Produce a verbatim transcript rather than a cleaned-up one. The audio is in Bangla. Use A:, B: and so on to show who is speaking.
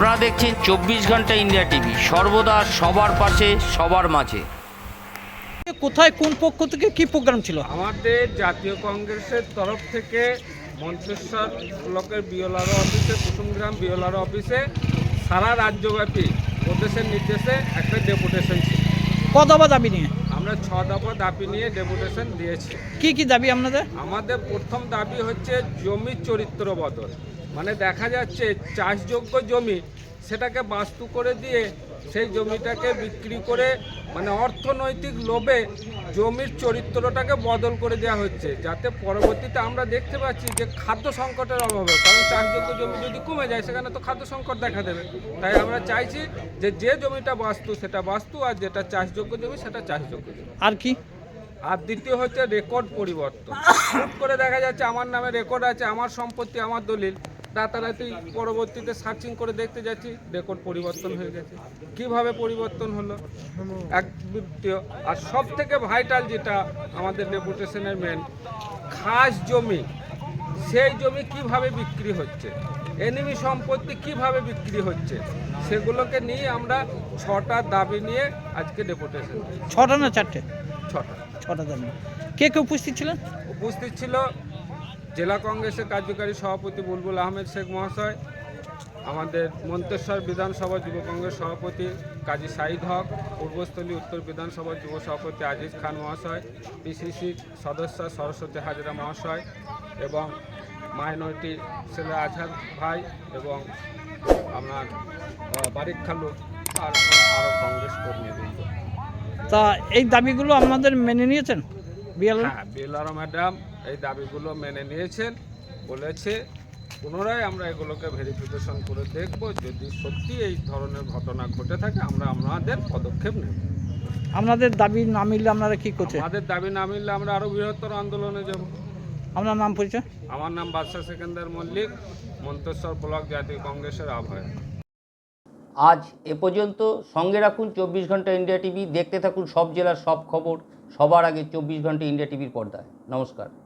A: আপনারা দেখছেন চব্বিশ ঘন্টা ইন্ডিয়া টিভি, সর্বদা সবার পাশে সবার মাঝে।
B: কোথায় কোন পক্ষ থেকে কি প্রোগ্রাম ছিল?
C: আমাদের জাতীয় কংগ্রেসের তরফ থেকে মন্তেশ্বর ব্লকের বিওলারো অফিসে, কুসুমগ্রাম বিওলারো অফিসে সারা রাজ্যব্যাপী প্রদেশের নির্দেশে একটা ডেপুটেশন ছিল।
B: ক দফা দাবি নিয়ে?
C: আমরা ছ দফা দাবি নিয়ে ডেপুটেশন দিয়েছি।
B: কি কি দাবি আপনাদের?
C: আমাদের প্রথম দাবি হচ্ছে জমির চরিত্র বদল। মানে দেখা যাচ্ছে চাষযোগ্য জমি সেটাকে বাস্তু করে দিয়ে সেই জমিটাকে বিক্রি করে মানে অর্থনৈতিক লোভে জমির চরিত্রটাকে বদল করে দেওয়া হচ্ছে, যাতে পরবর্তীতে আমরা দেখতে পাচ্ছি যে খাদ্য সংকটের অভাবে, কারণ চাষযোগ্য জমি যদি কমে যায় সেখানে তো খাদ্য সংকট দেখা দেবে। তাই আমরা চাইছি যে যে জমিটা বাস্তু সেটা বাস্তু, আর যেটা চাষযোগ্য জমি সেটা চাষযোগ্য জমি।
B: আর কি?
C: আর দ্বিতীয় হচ্ছে রেকর্ড পরিবর্তন। হুট করে দেখা যাচ্ছে আমার নামে রেকর্ড আছে, আমার সম্পত্তি, আমার দলিল, রাতারাতি পরবর্তীতে সার্চিং করে দেখতে যাচ্ছি রেকর্ড পরিবর্তন হয়ে গেছে। কিভাবে পরিবর্তন হলো এক দ্বিতীয়। আর সব থেকে ভাইটাল যেটা আমাদের ডেপুটেশনের মেন, খাস জমি, সেই জমি কিভাবে বিক্রি হচ্ছে, এনিমি সম্পত্তি কিভাবে বিক্রি হচ্ছে, সেগুলোকে নিয়ে আমরা ছটা দাবি নিয়ে আজকে ডেপুটেশন।
B: ছটা না চারটে?
C: ছটা
B: ছটা দাবি। কে কে উপস্থিত ছিলেন?
C: উপস্থিত ছিল জেলা কংগ্রেসের কার্যকারী সভাপতি বুলবুল আহমেদ শেখ মহাশয়, আমাদের মন্তেশ্বর বিধানসভা যুব কংগ্রেস সভাপতি কাজী সাইদ হক, পূর্বস্থলী উত্তর বিধানসভা যুব সভাপতি আজিজ খান মহাশয়, পিসিসি সদস্য সরস্বতী হাজরা মহাশয় এবং মাইনরিটি ছেলে আজহার ভাই এবং আপনার বারিক খালু আর আরও কংগ্রেস কর্মীবৃন্দ।
B: তা এই দাবিগুলো আপনাদের মেনে নিয়েছেন? বিএলও?
C: হ্যাঁ, বিএলআর ম্যাডাম এই দাবিগুলো মেনে নিয়েছেন, বলেছে পুনরায় আমরা এগুলোকে ভেরিফিকেশন করে দেখব, যদি সত্যি এই ধরনের ঘটনা ঘটে থাকে আমরা আমাদের পদক্ষেপ নেব।
B: আপনাদের দাবি না মিললে আপনারা কি করছেন?
C: আমাদের দাবি না মিললে আমরা আরও বৃহত্তর আন্দোলনে যাব।
B: আপনার নাম পরিচয়?
C: আমার নাম বাদশা সেকেন্দার মল্লিক, মন্তেশ্বর ব্লক জাতীয় কংগ্রেসের আহ্বায়ক।
A: আজ এ পর্যন্ত। সঙ্গে রাখুন চব্বিশ ঘন্টা ইন্ডিয়া টিভি, দেখতে থাকুন সব জেলার সব খবর সবার আগে চব্বিশ ঘন্টা ইন্ডিয়া টিভির পর্দায়। নমস্কার।